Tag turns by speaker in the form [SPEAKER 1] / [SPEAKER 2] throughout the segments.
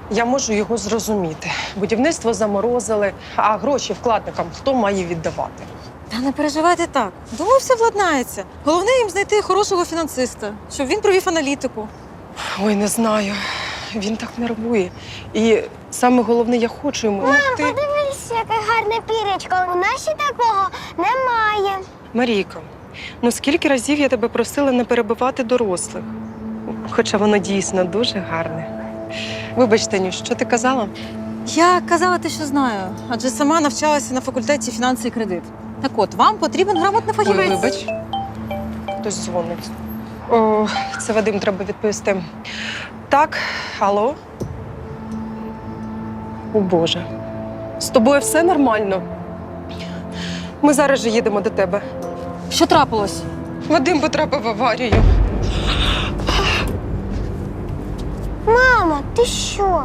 [SPEAKER 1] Я можу його зрозуміти. Будівництво заморозили, а гроші вкладникам хто має віддавати?
[SPEAKER 2] Та не переживайте так. Думаю, все владнається. Головне їм знайти хорошого фінансиста, щоб він провів аналітику.
[SPEAKER 1] Ой, не знаю. Він так нервує. І саме головне, я хочу йому допомогти.
[SPEAKER 3] Подивись, яке гарне пірячко. У нас ще такого немає.
[SPEAKER 1] Марійко, ну скільки разів я тебе просила не перебивати дорослих? Хоча воно дійсно дуже гарне. Вибач, Танюш, що ти казала?
[SPEAKER 2] Я казала те, що знаю, адже сама навчалася на факультеті фінанси і кредит. Так от, вам потрібен грамотний
[SPEAKER 1] Ой,
[SPEAKER 2] фахівець.
[SPEAKER 1] вибач. Хтось дзвонить. О, це Вадим, треба відповісти. Так, алло? О, Боже. З тобою все нормально? Ми зараз же їдемо до тебе.
[SPEAKER 2] Що трапилось?
[SPEAKER 1] Вадим потрапив в аварію.
[SPEAKER 3] Мама, ти що?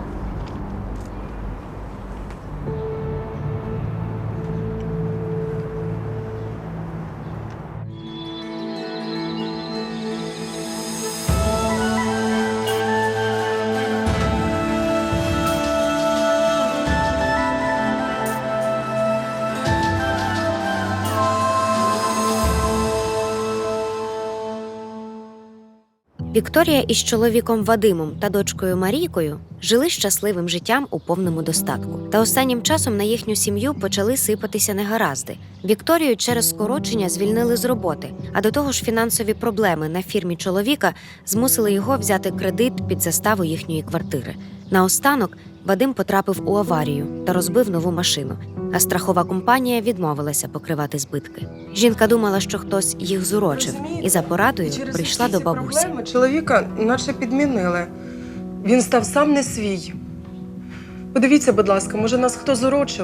[SPEAKER 4] Вікторія із чоловіком Вадимом та дочкою Марійкою жили щасливим життям у повному достатку. Та останнім часом на їхню сім'ю почали сипатися негаразди. Вікторію через скорочення звільнили з роботи, а до того ж фінансові проблеми на фірмі чоловіка змусили його взяти кредит під заставу їхньої квартири. Наостанок Вадим потрапив у аварію та розбив нову машину, а страхова компанія відмовилася покривати збитки. Жінка думала, що хтось їх зурочив, і за порадою
[SPEAKER 1] Через
[SPEAKER 4] прийшла
[SPEAKER 1] всі
[SPEAKER 4] до
[SPEAKER 1] ці
[SPEAKER 4] бабусі.
[SPEAKER 1] проблеми чоловіка наче підмінили. Він став сам не свій. Подивіться, будь ласка, може нас хто зурочив?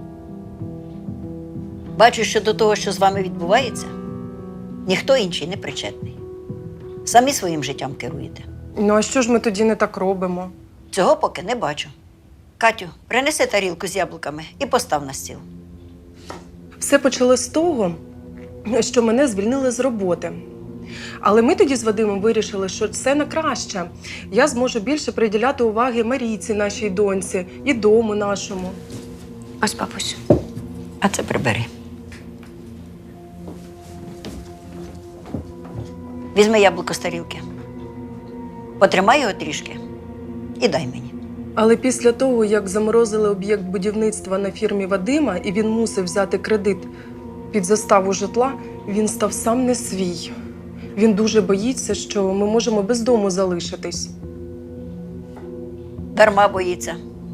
[SPEAKER 5] Бачу, що до того, що з вами відбувається, ніхто інший не причетний. Самі своїм життям керуєте.
[SPEAKER 1] Ну а що ж ми тоді не так робимо?
[SPEAKER 5] Цього поки не бачу. Катю, принеси тарілку з яблуками і постав на стіл.
[SPEAKER 1] Все почалось з того, що мене звільнили з роботи. Але ми тоді з Вадимом вирішили, що це на краще. Я зможу більше приділяти уваги Марійці, нашій доньці, і дому нашому.
[SPEAKER 5] Ось, бабусю, а це прибери. Візьми яблуко з тарілки. Потримай його трішки і дай мені.
[SPEAKER 1] Але після того, як заморозили об'єкт будівництва на фірмі Вадима, і він мусив взяти кредит під заставу житла, він став сам не свій. Він дуже боїться, що ми можемо без дому залишитись.
[SPEAKER 5] Дарма боїться.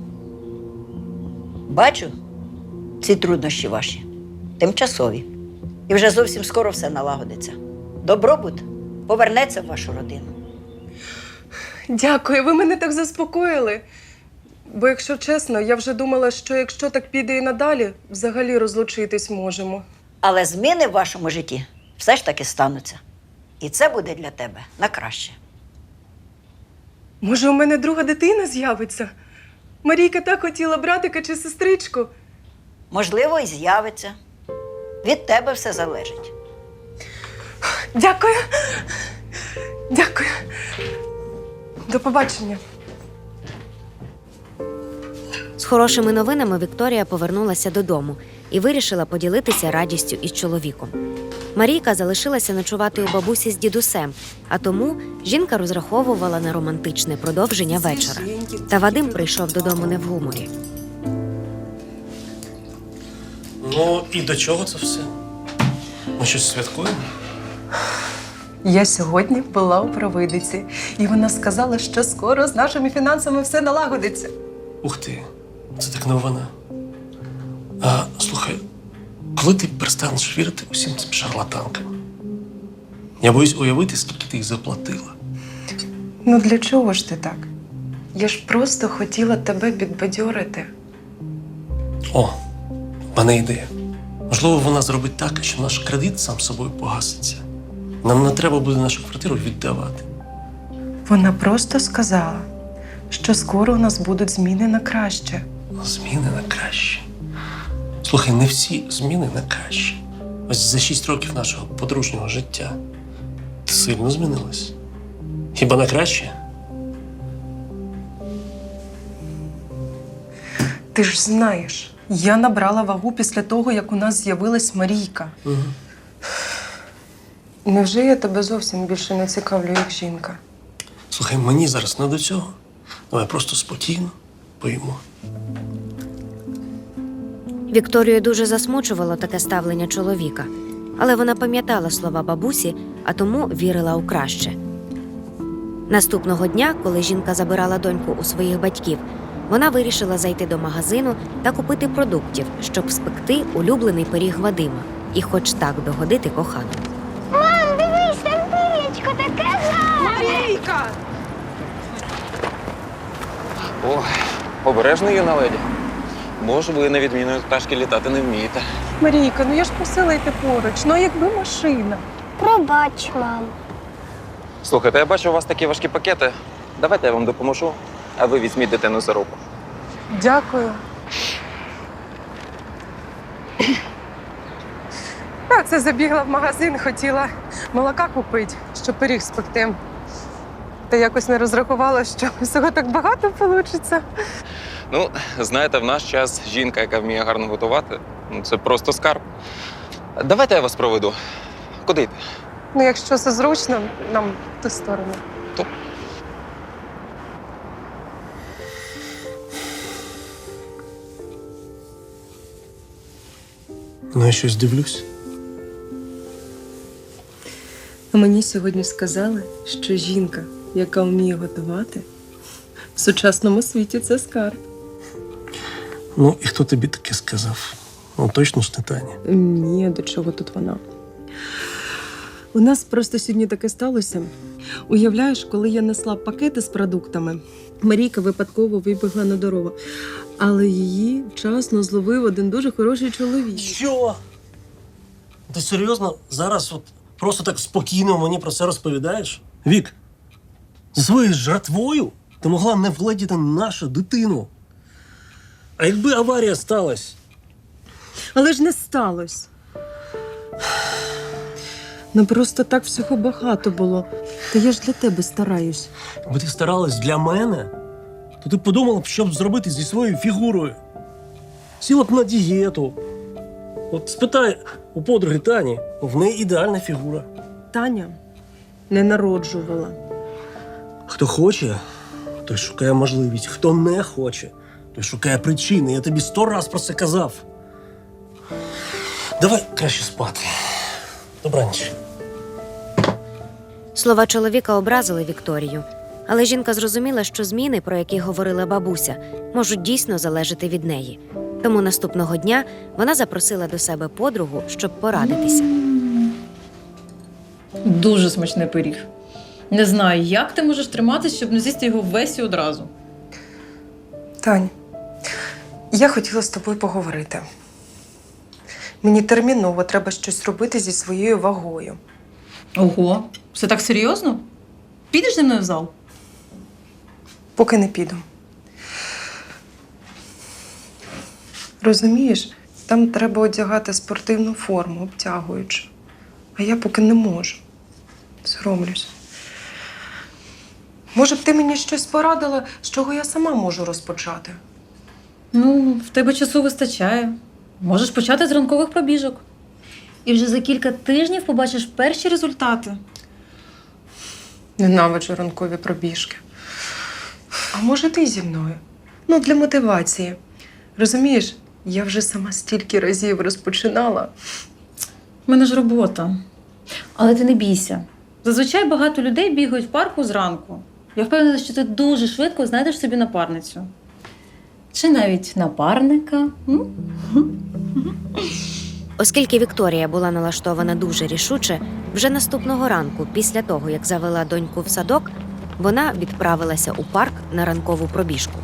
[SPEAKER 5] Бачу, ці труднощі ваші тимчасові. І вже зовсім скоро все налагодиться. Добробут повернеться в вашу родину.
[SPEAKER 1] Дякую, ви мене так заспокоїли. Бо, якщо чесно, я вже думала, що якщо так піде і надалі, взагалі розлучитись можемо.
[SPEAKER 5] Але зміни в вашому житті все ж таки стануться. І це буде для тебе на краще.
[SPEAKER 1] Може, у мене друга дитина з'явиться? Марійка так хотіла братика чи сестричку.
[SPEAKER 5] Можливо, і з'явиться. Від тебе все залежить.
[SPEAKER 1] Дякую. Дякую. До побачення.
[SPEAKER 4] З хорошими новинами Вікторія повернулася додому і вирішила поділитися радістю із чоловіком. Марійка залишилася ночувати у бабусі з дідусем, а тому жінка розраховувала на романтичне продовження вечора. Та Вадим прийшов додому не в гуморі.
[SPEAKER 6] Ну, і до чого це все? Ми щось святкуємо?
[SPEAKER 1] Я сьогодні була у провидиці, і вона сказала, що скоро з нашими фінансами все налагодиться.
[SPEAKER 6] Ух ти, це так новина. А, слухай, коли ти перестанеш вірити усім цим шарлатанкам? Я боюсь уявити, скільки ти їх заплатила.
[SPEAKER 1] Ну для чого ж ти так? Я ж просто хотіла тебе підбадьорити.
[SPEAKER 6] О, в мене ідея. Можливо, вона зробить так, що наш кредит сам собою погаситься. Нам не треба буде нашу квартиру віддавати.
[SPEAKER 1] Вона просто сказала, що скоро у нас будуть зміни на краще.
[SPEAKER 6] Зміни на краще. Слухай, не всі зміни на краще. Ось за 6 років нашого подружнього життя ти сильно змінилась. Хіба на краще?
[SPEAKER 1] Ти ж знаєш, я набрала вагу після того, як у нас з'явилась Марійка.
[SPEAKER 6] Угу.
[SPEAKER 1] Невже я тебе зовсім більше не цікавлю, як жінка?
[SPEAKER 6] Слухай, мені зараз не до цього. Давай просто спокійно поїмо.
[SPEAKER 4] Вікторію дуже засмучувало таке ставлення чоловіка, але вона пам'ятала слова бабусі, а тому вірила у краще. Наступного дня, коли жінка забирала доньку у своїх батьків, вона вирішила зайти до магазину та купити продуктів, щоб спекти улюблений пиріг Вадима і хоч так догодити коханому.
[SPEAKER 3] Мам, дивись, там пір'ячко таке гарне.
[SPEAKER 1] Марійка!
[SPEAKER 7] О, обережно, юна леді. Бо ж ви, на відміну від пташки, літати не вмієте.
[SPEAKER 1] Марійка, ну я ж просила йти поруч, ну а якби машина.
[SPEAKER 3] Пробач, мам.
[SPEAKER 7] Слухайте, я бачу, у вас такі важкі пакети. Давайте я вам допоможу, а ви візьміть дитину за руку.
[SPEAKER 1] Дякую. Так, це забігла в магазин, хотіла молока купити, щоб пиріг спекти. Та якось не розрахувала, що всього так багато вийде.
[SPEAKER 7] Ну, знаєте, в наш час жінка, яка вміє гарно готувати, ну, це просто скарб. Давайте я вас проведу. Куди йти?
[SPEAKER 1] Ну, якщо це зручно, нам в ту сторону.
[SPEAKER 6] Ну, я щось дивлюсь.
[SPEAKER 1] Мені сьогодні сказали, що жінка, яка вміє готувати, в сучасному світі це скарб.
[SPEAKER 6] Ну, і хто тобі таке сказав? Ну, точно ж не Таня.
[SPEAKER 1] Ні, до чого тут вона? У нас просто сьогодні таке сталося. Уявляєш, коли я несла пакети з продуктами, Марійка випадково вибігла на дорогу. Але її вчасно зловив один дуже хороший чоловік.
[SPEAKER 6] Що? Ти серйозно зараз от просто так спокійно мені про це розповідаєш? Вік, зі своєю жратвою ти могла не владіти нашу дитину. А якби аварія сталася?
[SPEAKER 1] Але ж не сталося. Ну просто так всього багато було. Та я ж для тебе стараюсь.
[SPEAKER 6] Якби ти старалась для мене, то ти подумала б, що б зробити зі своєю фігурою. Сіла б на дієту. От спитай у подруги Тані, в неї ідеальна фігура.
[SPEAKER 1] Таня не народжувала.
[SPEAKER 6] Хто хоче, той шукає можливість. Хто не хоче, той шукає причини. Я тобі 100 раз про це казав. Давай краще спати. Добраніч.
[SPEAKER 4] Слова чоловіка образили Вікторію, але жінка зрозуміла, що зміни, про які говорила бабуся, можуть дійсно залежати від неї. Тому наступного дня вона запросила до себе подругу, щоб порадитися.
[SPEAKER 2] Дуже смачний пиріг. Не знаю, як ти можеш триматися, щоб не з'їсти його весь і одразу.
[SPEAKER 1] Тань, я хотіла з тобою поговорити. Мені терміново треба щось робити зі своєю вагою.
[SPEAKER 2] Ого, все так серйозно? Підеш зі мною в зал?
[SPEAKER 1] Поки не піду. Розумієш, там треба одягати спортивну форму, обтягуючу. А я поки не можу. Соромлюсь. Може б ти мені щось порадила, з чого я сама можу розпочати?
[SPEAKER 2] Ну, в тебе часу вистачає. Можеш почати з ранкових пробіжок. І вже за кілька тижнів побачиш перші результати.
[SPEAKER 1] Ненавиджу ранкові пробіжки. А може ти зі мною? Ну, для мотивації. Розумієш, я вже сама стільки разів розпочинала.
[SPEAKER 2] У мене ж робота. Але ти не бійся. Зазвичай багато людей бігають в парку зранку. Я впевнена, що ти дуже швидко знайдеш собі напарницю. Чи навіть напарника.
[SPEAKER 4] Оскільки Вікторія була налаштована дуже рішуче, вже наступного ранку, після того, як завела доньку в садок, вона відправилася у парк на ранкову пробіжку.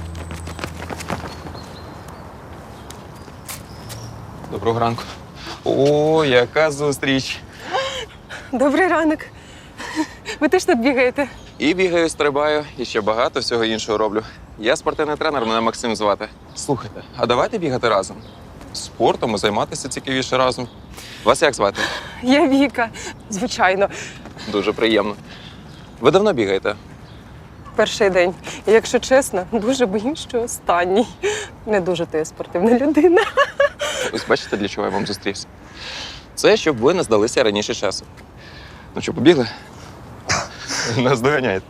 [SPEAKER 7] Доброго ранку. О, яка зустріч!
[SPEAKER 1] Добрий ранок. Ви теж тут бігаєте?
[SPEAKER 7] І бігаю, стрибаю, і ще багато всього іншого роблю. Я спортивний тренер, мене Максим звати. Слухайте, а давайте бігати разом. Спортом і займатися цікавіше разом. Вас як звати?
[SPEAKER 1] Я Віка. Звичайно.
[SPEAKER 7] Дуже приємно. Ви давно бігаєте?
[SPEAKER 1] перший день. І якщо чесно, дуже боюсь, що останній. Не дуже ти спортивна людина.
[SPEAKER 7] Ось бачите, для чого я вам зустрівся. Це щоб ви не здалися раніше часу. Ну що, побігли? Нас доганяють.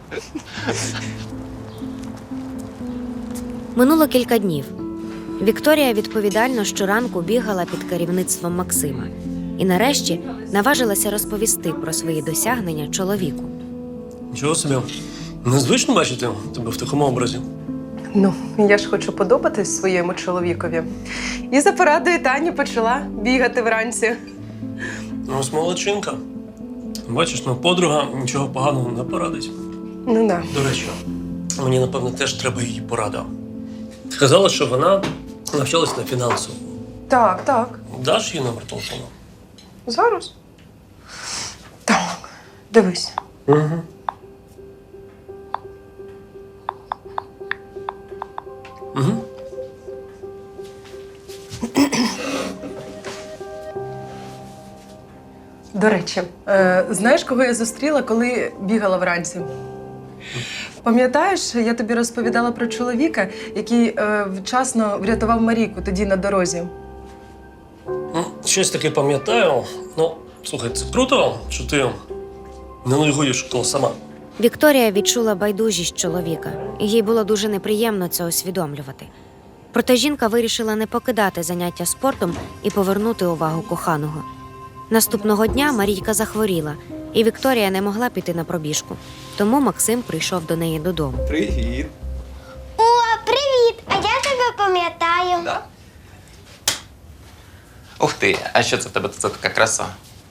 [SPEAKER 4] Минуло кілька днів. Вікторія відповідально щоранку бігала під керівництвом Максима і нарешті наважилася розповісти про свої досягнення чоловіку.
[SPEAKER 6] Нічого собі. Незвично бачити тебе в такому образі.
[SPEAKER 1] Ну, я ж хочу подобатись своєму чоловікові. І за порадою Тані почала бігати вранці.
[SPEAKER 6] Ну, ось молодчинка. Бачиш, ну, подруга нічого поганого не порадить.
[SPEAKER 1] Ну да.
[SPEAKER 6] До речі, мені, напевно, теж треба її порада. Ти казала, що вона навчалась на фінансову.
[SPEAKER 1] Так, так.
[SPEAKER 6] Даш їй номер телефону?
[SPEAKER 1] Зараз. Так, дивись.
[SPEAKER 6] Угу. Угу.
[SPEAKER 1] До речі, знаєш, кого я зустріла, коли бігала вранці? Пам'ятаєш, я тобі розповідала про чоловіка, який вчасно врятував Марійку тоді на дорозі?
[SPEAKER 6] Ну, щось таке пам'ятаю. Ну, слухай, це круто, що ти не нудьгуєш того сама.
[SPEAKER 4] Вікторія відчула байдужість чоловіка, і їй було дуже неприємно це усвідомлювати. Проте жінка вирішила не покидати заняття спортом і повернути увагу коханого. Наступного дня Марійка захворіла, і Вікторія не могла піти на пробіжку. Тому Максим прийшов до неї додому.
[SPEAKER 7] Привіт.
[SPEAKER 3] О, привіт! А я тебе пам'ятаю.
[SPEAKER 7] Да? Ух ти, а що це в тебе це така краса?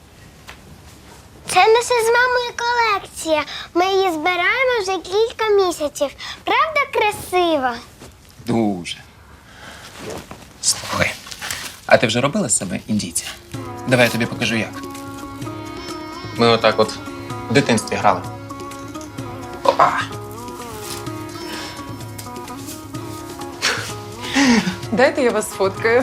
[SPEAKER 3] Це наша з мамою колекція. Ми її збираємо вже кілька місяців. Правда красива?
[SPEAKER 7] Дуже. Слухай, а ти вже робила з себе індійця? Давай я тобі покажу як. Ми отак от в дитинстві грали. Опа!
[SPEAKER 1] Дайте я вас сфоткаю.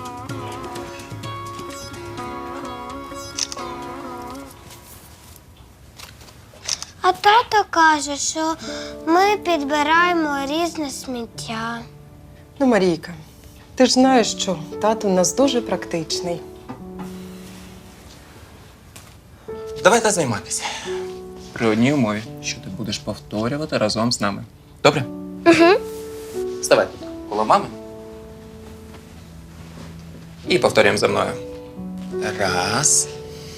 [SPEAKER 3] А тато каже, що ми підбираємо різне сміття.
[SPEAKER 1] Ну, Марійка, ти ж знаєш, що тато у нас дуже практичний.
[SPEAKER 7] Давайте займатися. При одній умові, що ти будеш повторювати разом з нами. Добре? Угу. Ставай тут коло мами. І повторюємо за мною. Раз.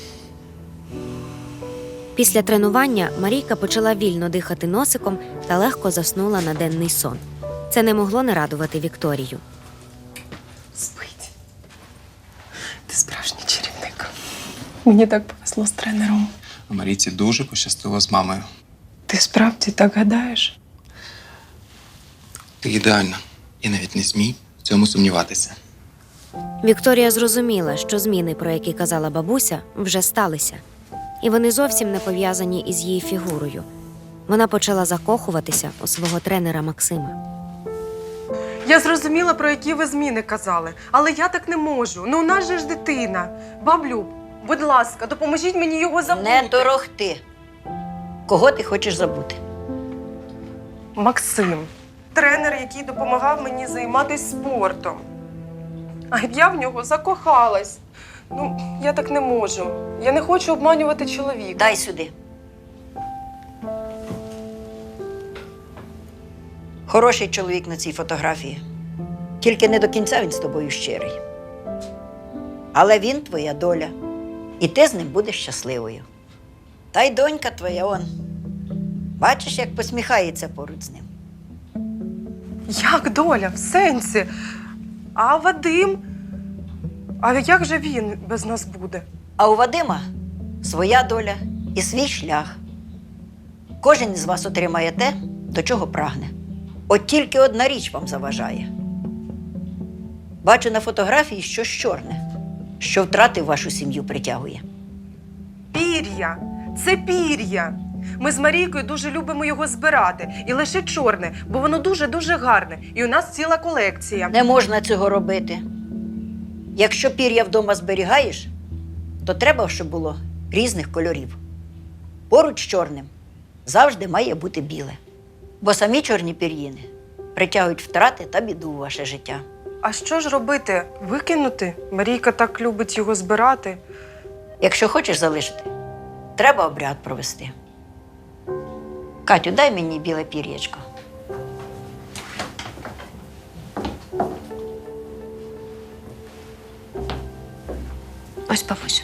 [SPEAKER 4] Після тренування Марійка почала вільно дихати носиком та легко заснула на денний сон. Це не могло не радувати Вікторію.
[SPEAKER 1] Спить. Ти справжній чарівник. Мені так повезло з тренером.
[SPEAKER 7] А Марійці дуже пощастило з мамою.
[SPEAKER 1] Ти справді так гадаєш?
[SPEAKER 7] Ти ідеальна. І навіть не смій в цьому сумніватися.
[SPEAKER 4] Вікторія зрозуміла, що зміни, про які казала бабуся, вже сталися. І вони зовсім не пов'язані із її фігурою. Вона почала закохуватися у свого тренера Максима.
[SPEAKER 1] Я зрозуміла, про які ви зміни казали, але я так не можу. Ну, у нас же ж дитина. Баблю, будь ласка, допоможіть мені його забути.
[SPEAKER 5] Не торохти. Кого ти хочеш забути?
[SPEAKER 1] Максим. Тренер, який допомагав мені займатися спортом. А я в нього закохалась. Ну, я так не можу. Я не хочу обманювати чоловіка.
[SPEAKER 5] Дай сюди. Хороший чоловік на цій фотографії. Тільки не до кінця він з тобою щирий. Але він твоя доля. І ти з ним будеш щасливою. Та й донька твоя он. Бачиш, як посміхається поруч з ним.
[SPEAKER 1] Як доля? В сенсі? А Вадим? А як же він без нас буде?
[SPEAKER 5] А у Вадима своя доля і свій шлях. Кожен із вас отримає те, до чого прагне. От тільки одна річ вам заважає. Бачу на фотографії щось чорне, що втрати в вашу сім'ю притягує.
[SPEAKER 1] Пір'я. Це пір'я. Ми з Марійкою дуже любимо його збирати. І лише чорне, бо воно дуже-дуже гарне. І у нас ціла колекція.
[SPEAKER 5] Не можна цього робити. Якщо пір'я вдома зберігаєш, то треба, щоб було різних кольорів. Поруч з чорним завжди має бути біле. Бо самі чорні пір'їни притягують втрати та біду у ваше життя.
[SPEAKER 1] А що ж робити? Викинути? Марійка так любить його збирати.
[SPEAKER 5] Якщо хочеш залишити, треба обряд провести. Катю, дай мені біле пір'ячко. Ось, бабусю.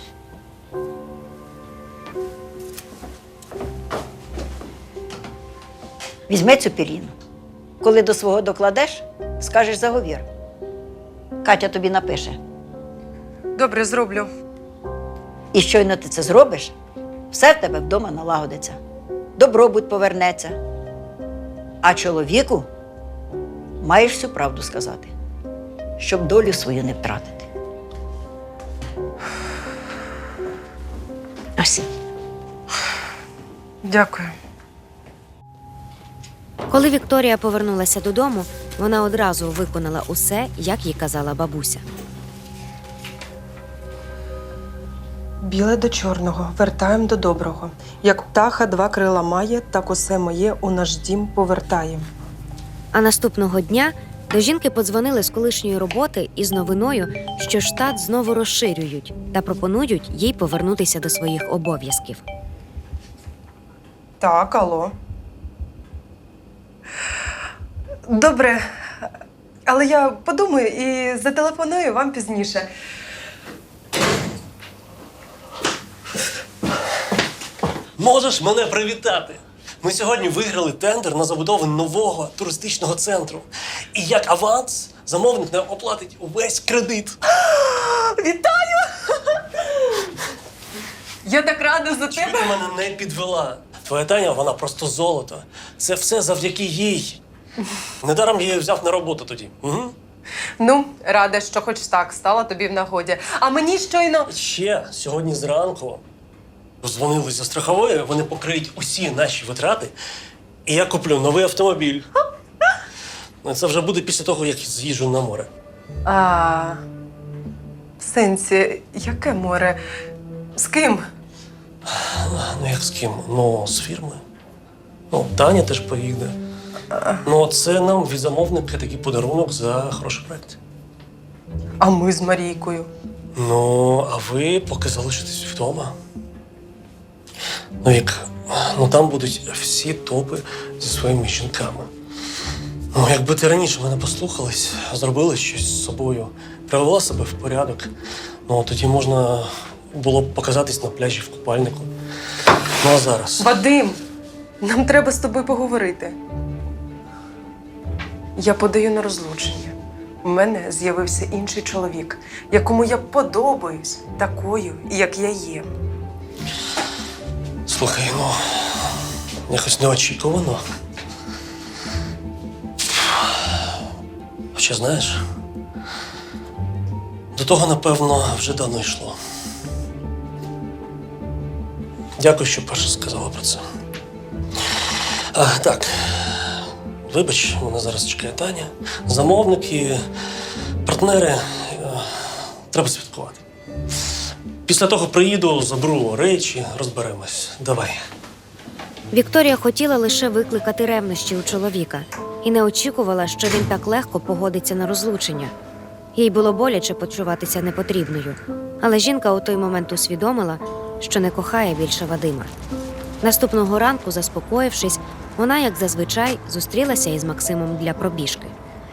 [SPEAKER 5] Візьми цю пір'їну. Коли до свого докладеш, скажеш заговір. Катя тобі напише.
[SPEAKER 1] Добре, зроблю.
[SPEAKER 5] І щойно ти це зробиш, все в тебе вдома налагодиться. Добробут повернеться. А чоловіку маєш всю правду сказати, щоб долю свою не втратити. Ось.
[SPEAKER 1] Дякую.
[SPEAKER 4] Коли Вікторія повернулася додому, вона одразу виконала усе, як їй казала бабуся.
[SPEAKER 1] Біле до чорного, вертаєм до доброго. Як птаха два крила має, так усе моє у наш дім повертає.
[SPEAKER 4] А наступного дня до жінки подзвонили з колишньої роботи із новиною, що штат знову розширюють та пропонують їй повернутися до своїх обов'язків.
[SPEAKER 1] Так, алло. Добре, але я подумаю і зателефоную вам пізніше.
[SPEAKER 6] Можеш мене привітати? Ми сьогодні виграли тендер на забудову нового туристичного центру. І як аванс замовник нам оплатить увесь кредит.
[SPEAKER 1] Вітаю! Я так рада за
[SPEAKER 6] Чому
[SPEAKER 1] тебе.
[SPEAKER 6] ти мене не підвела? Твоя Таня, вона просто золото. Це все завдяки їй. Недаром я її взяв на роботу тоді. Угу.
[SPEAKER 1] Ну, рада, що хоч так стала тобі в нагоді. А мені щойно...
[SPEAKER 6] Ще сьогодні зранку дзвонили зі страхової, вони покриють усі наші витрати, і я куплю новий автомобіль. Ну, це вже буде після того, як з'їжджу на море.
[SPEAKER 1] В сенсі, яке море? З ким?
[SPEAKER 6] Ну, як з ким? Ну, з фірми. Ну, Таня теж поїде. Ну, це нам від замовника такий подарунок за хороший проект.
[SPEAKER 1] А ми з Марійкою.
[SPEAKER 6] Ну, а ви поки залишитесь вдома. Ну, як, ну там будуть всі топи зі своїми жінками. Ну, якби ти раніше мене послухалась, зробила щось з собою, привела себе в порядок, ну, тоді можна було б показатись на пляжі в купальнику. Ну, а зараз?
[SPEAKER 1] Вадим, нам треба з тобою поговорити. Я подаю на розлучення. У мене з'явився інший чоловік, якому я подобаюсь такою, як я є.
[SPEAKER 6] Слухай, ну, якось неочікувано. Хоча, знаєш, до того, напевно, вже давно йшло. Дякую, що перше сказала про це. Так, вибач, мене зараз чекає Таня. Замовники, партнери. Треба святкувати. Після того приїду, заберу речі, розберемось. Давай.
[SPEAKER 4] Вікторія хотіла лише викликати ревнощі у чоловіка і не очікувала, що він так легко погодиться на розлучення. Їй було боляче почуватися непотрібною, але жінка у той момент усвідомила, що не кохає більше Вадима. Наступного ранку, заспокоївшись, вона, як зазвичай, зустрілася із Максимом для пробіжки.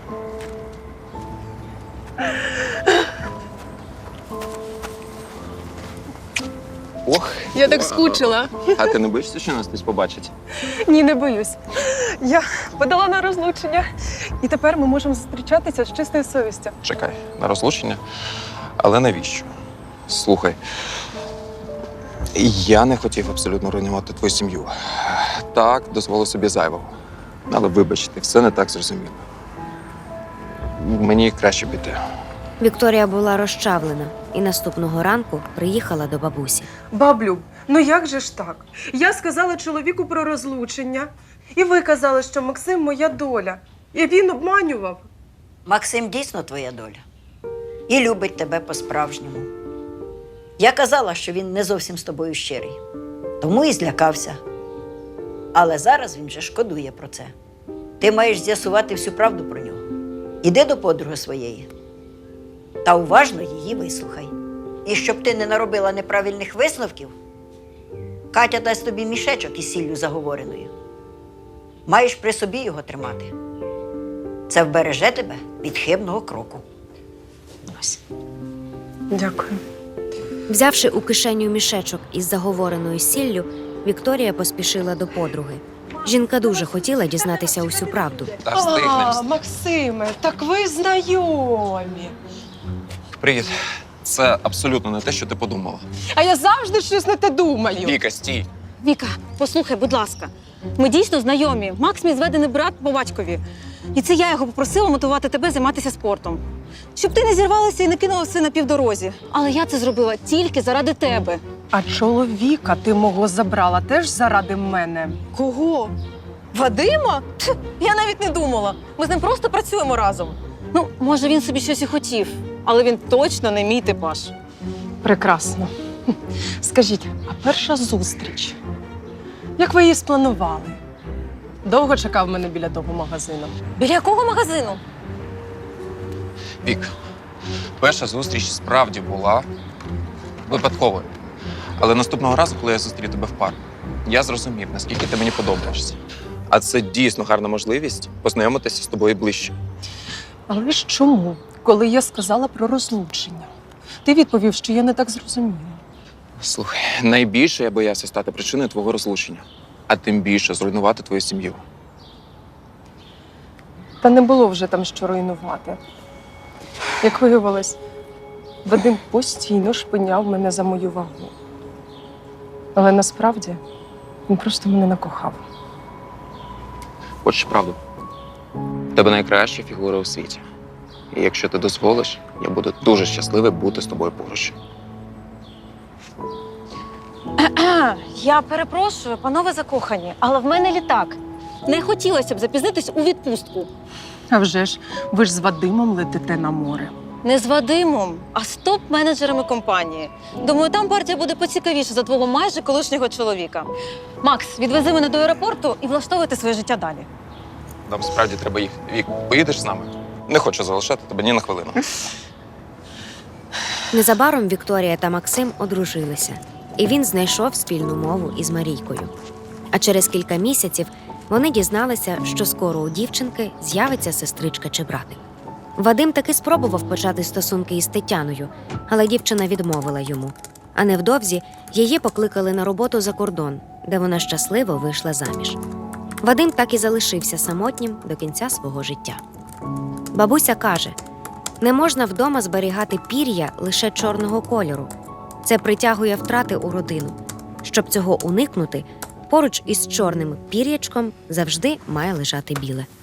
[SPEAKER 7] Ох,
[SPEAKER 1] Я так скучила.
[SPEAKER 7] А ти не боїшся, що нас хтось побачить?
[SPEAKER 1] Ні, не боюсь. Я подала на розлучення. І тепер ми можемо зустрічатися з чистою совістю.
[SPEAKER 7] Чекай, на розлучення? Але навіщо? Слухай, я не хотів абсолютно руйнувати твою сім'ю. Так, дозволив собі зайвого. Але вибач, ти все не так зрозуміло. Мені краще піти.
[SPEAKER 4] Вікторія була розчавлена і наступного ранку приїхала до бабусі.
[SPEAKER 1] Баблю, ну як же ж так? Я сказала чоловіку про розлучення, і ви казали, що Максим моя доля. І він обманював.
[SPEAKER 5] Максим дійсно твоя доля. І любить тебе по-справжньому. Я казала, що він не зовсім з тобою щирий. Тому і злякався. Але зараз він вже шкодує про це. Ти маєш з'ясувати всю правду про нього. Іди до подруги своєї та уважно її вислухай. І щоб ти не наробила неправильних висновків, Катя дасть тобі мішечок із сіллю заговореною. Маєш при собі його тримати. Це вбереже тебе від хибного кроку. Ось.
[SPEAKER 1] Дякую.
[SPEAKER 4] Взявши у кишеню мішечок із заговореною сіллю, Вікторія поспішила до подруги. Жінка дуже хотіла дізнатися усю правду.
[SPEAKER 7] Та встигнемо.
[SPEAKER 1] Максиме, так ви знайомі.
[SPEAKER 7] Привіт. Це абсолютно не те, що ти подумала.
[SPEAKER 1] А я завжди щось не те думаю.
[SPEAKER 7] Віка, стій.
[SPEAKER 2] Віка, послухай, будь ласка. Ми дійсно знайомі. Макс мій зведений брат по батькові. І це я його попросила мотивувати тебе займатися спортом. Щоб ти не зірвалася і не кинула все на півдорозі. Але я це зробила тільки заради тебе.
[SPEAKER 1] А чоловіка ти мого забрала теж заради мене.
[SPEAKER 2] Кого? Вадима? Тьф, я навіть не думала. Ми з ним просто працюємо разом. Ну, може, він собі щось і хотів, але він точно не мій типаж.
[SPEAKER 1] Прекрасно. Скажіть, а перша зустріч? Як ви її спланували? Довго чекав мене біля того магазину.
[SPEAKER 2] Біля якого магазину?
[SPEAKER 7] Вік, перша зустріч справді була випадковою. Але наступного разу, коли я зустрів тебе в парку, я зрозумів, наскільки ти мені подобаєшся. А це дійсно гарна можливість познайомитися з тобою ближче.
[SPEAKER 1] Але ж чому, коли я сказала про розлучення? Ти відповів, що я не так зрозуміла.
[SPEAKER 7] Слухай, найбільше я боявся стати причиною твого розлучення, а тим більше зруйнувати твою сім'ю.
[SPEAKER 1] Та не було вже там що руйнувати. Як виявилось, Вадим постійно шпиняв мене за мою вагу. Але насправді він просто мене накохав.
[SPEAKER 7] Хочеш правду? В тебе найкраща фігура у світі. І якщо ти дозволиш, я буду дуже щасливий бути з тобою поруч.
[SPEAKER 2] Я перепрошую, панове закохані, але в мене літак. Не хотілося б запізнитись у відпустку.
[SPEAKER 1] А вже ж, ви ж з Вадимом летите на море.
[SPEAKER 2] Не з Вадимом, а з топ-менеджерами компанії. Думаю, там партія буде поцікавіше за твого майже колишнього чоловіка. Макс, відвези мене до аеропорту і влаштовуйте своє життя далі.
[SPEAKER 7] Нам справді треба їхати. Вік, поїдеш з нами? Не хочу залишати тебе ні на хвилину.
[SPEAKER 4] Незабаром Вікторія та Максим одружилися, і він знайшов спільну мову із Марійкою. А через кілька місяців вони дізналися, що скоро у дівчинки з'явиться сестричка чи братик. Вадим таки спробував почати стосунки із Тетяною, але дівчина відмовила йому. А невдовзі її покликали на роботу за кордон, де вона щасливо вийшла заміж. Вадим так і залишився самотнім до кінця свого життя. Бабуся каже, не можна вдома зберігати пір'я лише чорного кольору. Це притягує втрати у родину. Щоб цього уникнути, поруч із чорним пір'ячком завжди має лежати біле.